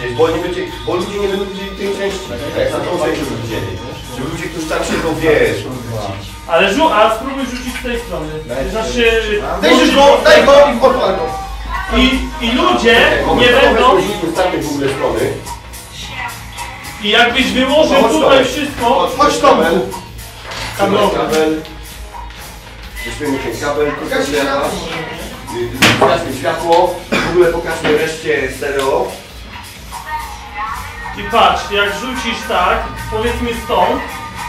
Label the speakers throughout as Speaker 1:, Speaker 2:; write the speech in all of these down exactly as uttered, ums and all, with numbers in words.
Speaker 1: widzieć, bo, nie będzie, bo ludzie nie będą widzieli tej części. A jak na tą część będą widzieli. Żeby ludzie, którzy tam siedzą, wiesz.
Speaker 2: Ale żu, a spróbuj rzucić z tej strony. Znaczy...
Speaker 3: Daj go, daj go i odpal go.
Speaker 2: I, I ludzie nie będą...
Speaker 1: w ogóle strony.
Speaker 2: I jakbyś wyłożył
Speaker 1: no,
Speaker 2: tutaj wszystko...
Speaker 3: Chodź Tomku.
Speaker 1: Kabel. Weźmiemy ten kabel, pokażmy światło, w ogóle pokażmy reszcie stereo.
Speaker 2: I patrz, jak rzucisz tak, powiedzmy stąd,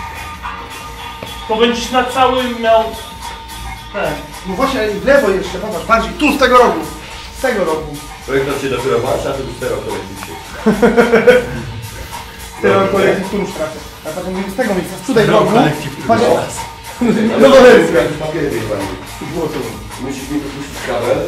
Speaker 2: to będziesz na całym miał ten.
Speaker 3: No właśnie, w lewo jeszcze, popatrz, bardziej, tu z tego rogu. Z tego rogu.
Speaker 1: Projektor się dopiero włącza, to już stereo kolekcji się.
Speaker 3: Stereo kolekcji, tu już tracę. A potem mówię z tego miejsca, tutaj w rogu. Patrz,
Speaker 1: no to jest musisz mi wypuścić kabel.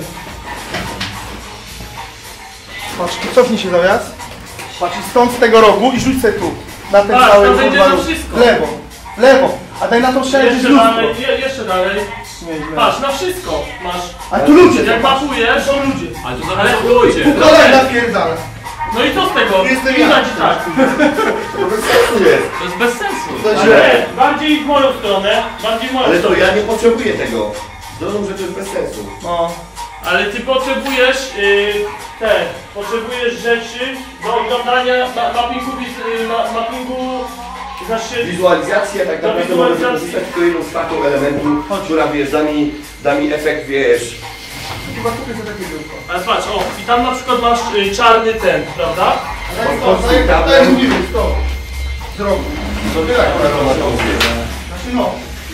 Speaker 3: Patrz, cofnij się zaraz. Patrz, stąd z tego rogu i rzuć sobie tu. Na ten
Speaker 2: tak,
Speaker 3: cały
Speaker 2: to będzie
Speaker 3: róg.
Speaker 2: to wszystko.
Speaker 3: W lewo, w lewo. A daj na to szereg
Speaker 2: Jeszcze dalej, je, jeszcze dalej. Patrz, na wszystko masz.
Speaker 3: A tu ludzie,
Speaker 2: jak mapujesz, są ludzie.
Speaker 4: Ale to
Speaker 2: Ale
Speaker 4: ludzie.
Speaker 3: Tu kolej napierdala.
Speaker 2: No i co z tego?
Speaker 3: Jestem
Speaker 2: Widać
Speaker 3: ja.
Speaker 2: tak.
Speaker 1: To bez sensu jest.
Speaker 4: To jest bez sensu.
Speaker 3: To
Speaker 2: Ale
Speaker 3: źle.
Speaker 2: bardziej w moją stronę, bardziej w moją
Speaker 1: Ale to
Speaker 2: stronę.
Speaker 1: ja nie potrzebuję tego. Drogą rzecz jest bez sensu.
Speaker 2: No. Ale ty potrzebujesz yy, te, potrzebujesz rzeczy do oglądania ma, mappingu, yy, ma, mappingu, znaczy...
Speaker 1: Wizualizacja tak naprawdę może wykorzystać tylko jedną z taką elementu, która wiesz, da mi, da mi efekt, wiesz.
Speaker 3: Chyba tutaj to takie biurko.
Speaker 2: Ale patrz, o, i tam na przykład masz y, czarny ten, prawda?
Speaker 3: Daj to, daj to, daj to, mówimy, stop. Z rogu.
Speaker 1: To tyle akurat to na to mówię.
Speaker 3: Znaczy no.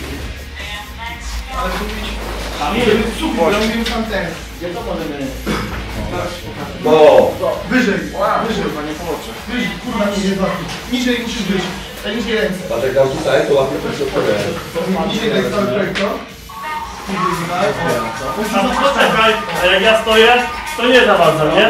Speaker 3: Ale zrobić...
Speaker 2: A my,
Speaker 3: Super, ja mówimy tam ten.
Speaker 2: gdzie to możemy?
Speaker 1: No.
Speaker 3: Wyżej, wyżej, panie pomoże. Wyżej, kurwa, nie jest łatwiej. Niżej musisz być. Tak niżej ręce.
Speaker 1: A tak dam tutaj, to łapię to środkowe.
Speaker 3: Niżej tak cały projektor. Niżej tutaj.
Speaker 2: A no poczekaj, a jak ja stoję, to nie zawadzam, nie?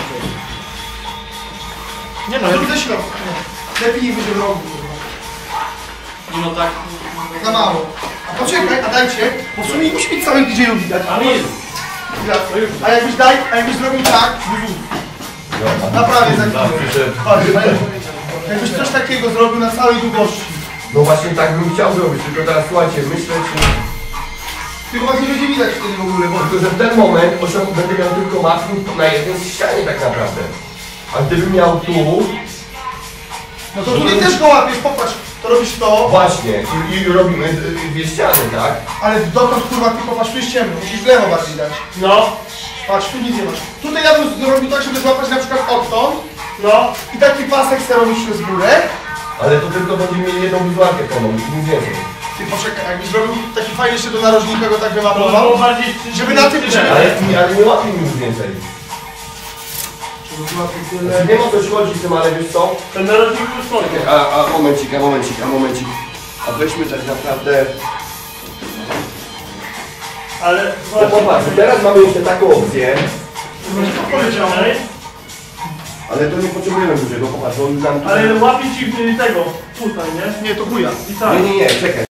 Speaker 3: Nie no, zrób ze środka. Lepiej nie będzie w rogu.
Speaker 4: No tak.
Speaker 3: Za mało. A poczekaj, a dajcie, bo w sumie nie musi być całych D J-ów widać.
Speaker 2: A my,
Speaker 3: A jakbyś daj, a jakbyś zrobił tak, naprawię za chwilę. Patrz, jakbyś coś takiego zrobił na całej długości.
Speaker 1: No właśnie tak bym chciał zrobić, tylko teraz słuchajcie, myślę, czy...
Speaker 3: Tylko was nie będzie widać wtedy w ogóle, bo...
Speaker 1: Tylko, że w ten moment osiąg będę miał tylko mapping na jednej ścianie tak naprawdę. A gdybym miał tu...
Speaker 3: No to tutaj też go łapiesz, popatrz, to robisz to,
Speaker 1: Właśnie, i, i robimy y, dwie ściany, tak?
Speaker 3: ale dotąd kurwa ty popatrz, tu jest ciemno, musisz w lewo bardziej dać.
Speaker 2: no,
Speaker 3: Patrz, tu nic nie masz. Tutaj ja bym zrobił tak, żeby złapać na przykład odtąd
Speaker 2: no.
Speaker 3: i taki pasek chcę robić przez górę.
Speaker 1: Ale to tylko będziemy mieli jedną wizualkę pełną, nic więcej.
Speaker 3: Ty poczekaj, jakbyś zrobił taki fajny jeszcze do narożnika, go tak
Speaker 2: To
Speaker 3: wymapował.
Speaker 2: było bardziej...
Speaker 3: Żeby na tym- żeby-
Speaker 1: Ale, ale nie łapie mi nic więcej. Znaczy, nie ma co chodzi z tym, ale wiesz co?
Speaker 2: Ten narożnik już stoi.
Speaker 1: A, a momencik, a momencik, a momencik. A weźmy tak naprawdę...
Speaker 2: Ale...
Speaker 1: No popatrz, teraz mamy jeszcze taką opcję,
Speaker 2: Poleciałeś,
Speaker 1: ale to nie potrzebujemy dużego, popatrz, on nam tutaj...
Speaker 2: ale łapie ci y, tego, tutaj, nie?
Speaker 3: Nie, to chuja.
Speaker 2: I tak.
Speaker 1: Nie, nie, nie, czekaj.